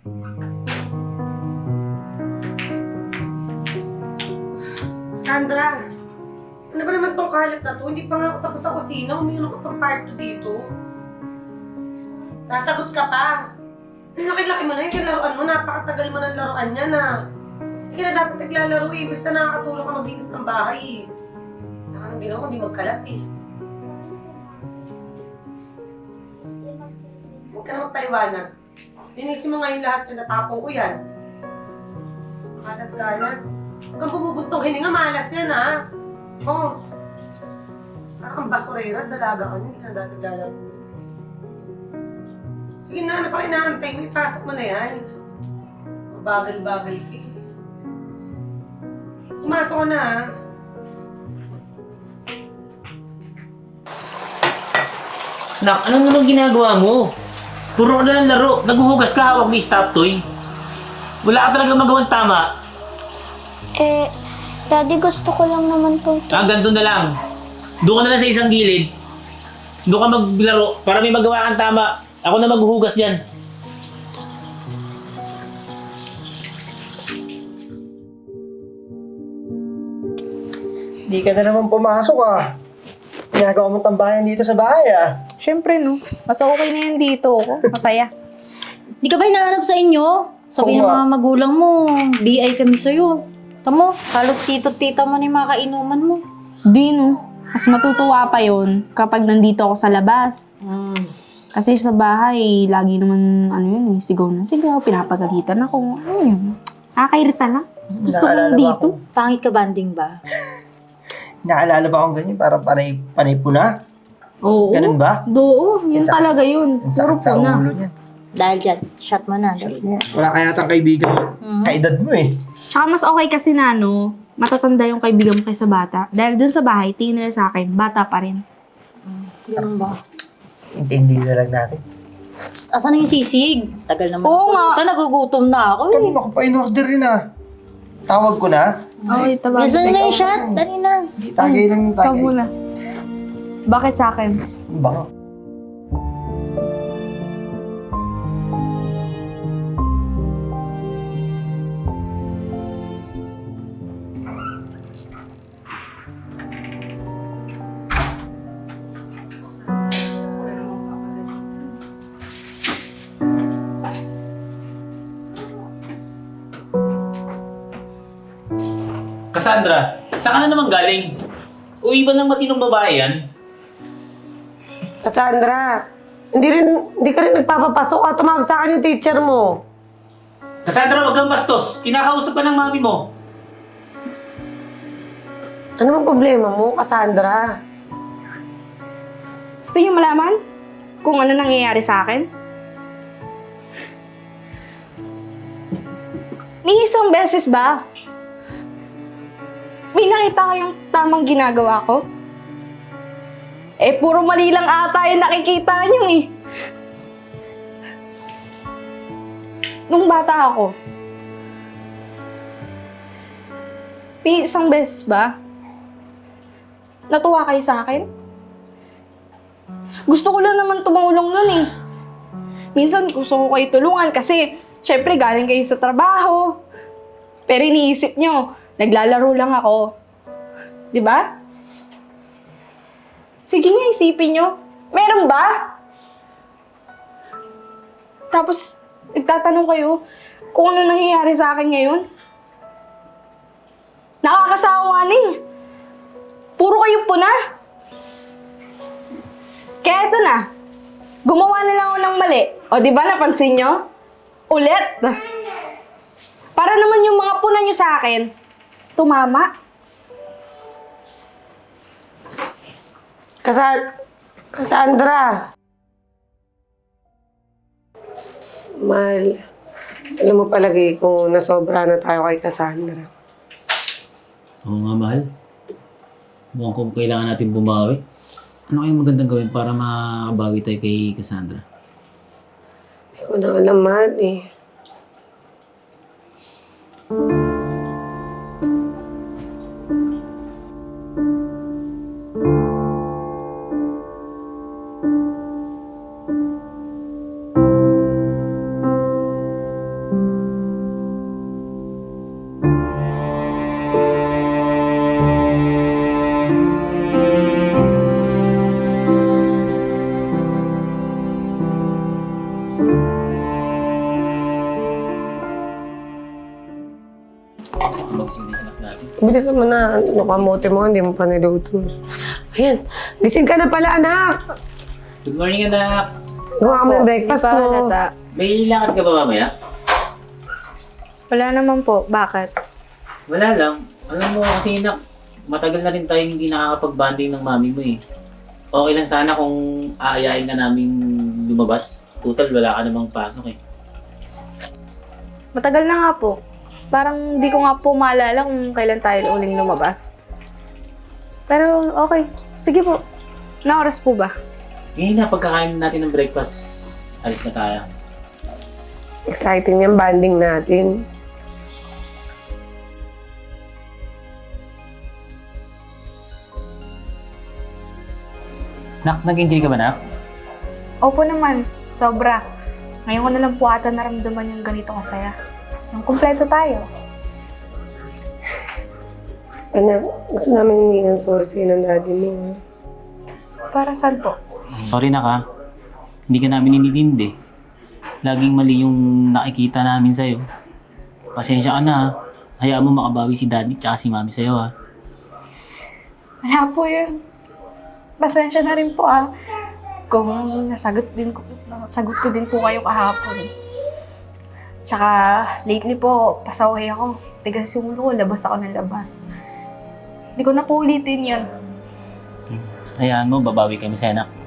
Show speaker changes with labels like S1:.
S1: Sandra, ano ba naman tong kalat na to? Hindi pa nga ako tapos sa kusina. Umiinom ka pang part 2 dito. Sasagot ka pa. Ang laki-laki mo na yung laruan mo. Napakatagal mo ng laruan niya na. Hindi ka na dapat naglalaro eh. Basta nakakatulong ka maglinis ng bahay eh. Saka nang ginawa ko, hindi magkalat eh. Huwag ka na magpaliwanag. Linisin mo ngayon lahat na natapong ko yan. Kalat-kalat. Huwag kang bumubuntong hininga, malas yan ha. Oh. Parang kang basurera, dalaga ka niya, hindi ka na dati lalaro. Sige na, ano pa inaantay mo? Ipasok mo na yan. Mabagal-bagal ka eh. Pumasok ka na ha.
S2: Nak, ano naman ginagawa mo? Puro ka na ng laro. Naguhugas ka, hawak mo yung stop toy. Wala ka talaga magawang tama.
S3: Daddy, gusto ko lang naman po.
S2: Ganito na lang. Doon ka na lang sa isang gilid. Doon ka maglaro para may magawa kang tama. Ako na maghuhugas dyan.
S4: Di ka na naman pumasok ah. Ginagawa mong tambayan dito sa bahay ah.
S5: Siyempre, no. Mas okay na yan dito ako. Masaya.
S6: Di ka ba hinahanap sa inyo? Sabi ng mga magulang mo, BI kami sa'yo. Tamo, halos tito-tita mo na yung mga kainuman mo.
S5: Di, no. Mas matutuwa pa yon kapag nandito ako sa labas. Kasi sa bahay, lagi naman, sigaw na sigaw, pinapagalitan ako. Ano yun? Nakakairita lang. Mas gusto ko
S4: Naalala ba
S5: dito.
S4: ako?
S6: Pangit ka banding ba?
S4: Naalala ba akong ganyan? Parang panay puna?
S5: Oo.
S4: Ganun ba?
S5: Oo, yun
S4: Sa-
S5: talaga yun.
S4: Ang
S5: Puro
S4: sakit sa
S5: puna.
S4: ulo niyan.
S6: Dahil dyan, shot mo na. Dali.
S4: Wala kaya tang kaibigan. Kaedad mo eh.
S5: Tsaka mas okay kasi na, matatanda yung kaibigan mo kaysa bata. Dahil dun sa bahay, tingin nila sa akin, bata pa rin.
S6: Ganun ba?
S4: Intindi na lang natin.
S6: Asan na yung sisig? Tagal naman.
S5: Oo nga.
S6: Nagugutom na ako eh.
S4: Kanina ko pa in-order yun ah. Tawag ko na.
S5: Okay, tabagin.
S6: Gusto na yung shot? Dali na.
S4: Hindi, tagay lang
S5: Ikaw
S4: tagay.
S5: muna. Bakit sa akin?
S4: Baka.
S2: Cassandra, saan ka na naman galing? Uwi ba ng matinong babae yan?
S1: Cassandra, hindi ka rin nagpapapasok ka. Tumawag sa akin yung teacher mo.
S2: Cassandra, wag kang bastos. Kinakausap ka ng mami mo.
S1: Ano bang problema mo, Cassandra?
S5: Gusto niyo malaman kung ano nangyayari sa akin? Ni isang beses ba? May nakita kayong tamang ginagawa ko? Puro mali lang ata yung nakikita niyo eh. Nung bata ako, may isang beses ba? Natuwa kayo sa akin? Gusto ko lang naman tumulong nun eh. Minsan gusto ko kayo tulungan kasi syempre galing kayo sa trabaho. Pero iniisip nyo, naglalaro lang ako. Di ba? Sige nga, isipin nyo. Meron ba? Tapos, nagtatanong kayo kung ano nangyayari sa akin ngayon. Nakakasawa na eh. Puro kayo puna. Kaya ito na. Gumawa na lang ako ng mali. O di ba napansin nyo? Ulit. Para naman yung mga puna nyo sa akin, tumama.
S1: Cassandra. Mahal, alam mo palagi kung nasobra na tayo kay Cassandra.
S2: Oo nga, mahal. Mukhang kung kailangan natin bumawi. Ano kayong magandang gawin para makabawi tayo kay Cassandra?
S1: Hindi ko na alam, mahal eh.
S2: natin.
S1: Bilis naman na. Kamote mo, hindi mo pa niluto. Ayan. Gising ka na pala, anak.
S2: Good morning, anak.
S1: Gawa ka mo ng breakfast
S5: Di pa
S1: mo.
S5: halata.
S2: May lakad ka ba mamaya?
S5: Wala naman po. Bakit?
S2: Wala lang. Alam mo kasi nak, matagal na rin tayo hindi nakakapag-banding ng mami mo eh. Okay lang sana kung aayain ka naming lumabas. Total, wala ka namang pasok eh.
S5: Matagal na nga po. Parang di ko nga po maalala kung kailan tayo uling lumabas. Pero okay. Sige po. Na oras po ba?
S2: Ngayon na, pagkakain natin ng breakfast, alis na tayo.
S1: Exciting yung banding natin.
S2: Nak, nag-enjoy ka ba, nak?
S5: Opo naman. Sobra. Ngayon ko na lang po ata naramdaman yung ganito kasaya. Yung kumpleto tayo.
S1: Anak, gusto namin humingi ng sorry sa'yo ng daddy mo. Ha?
S5: Para saan po?
S2: Sorry na ka. Hindi ka namin inintindi. Laging mali yung nakikita namin sa'yo. Pasensya ka na ha. Hayaan mo makabawi si daddy tsaka si mami sa'yo ha.
S5: Wala po yun. Pasensya na rin po kung nasagot ko din po kayo kahapon. Tsaka lately po, pasaway ako. Tigas yung ulo ko, labas ako ng labas. Hindi ko na po ulitin yun.
S2: Hayaan mo, babawi kami sa'yo, anak.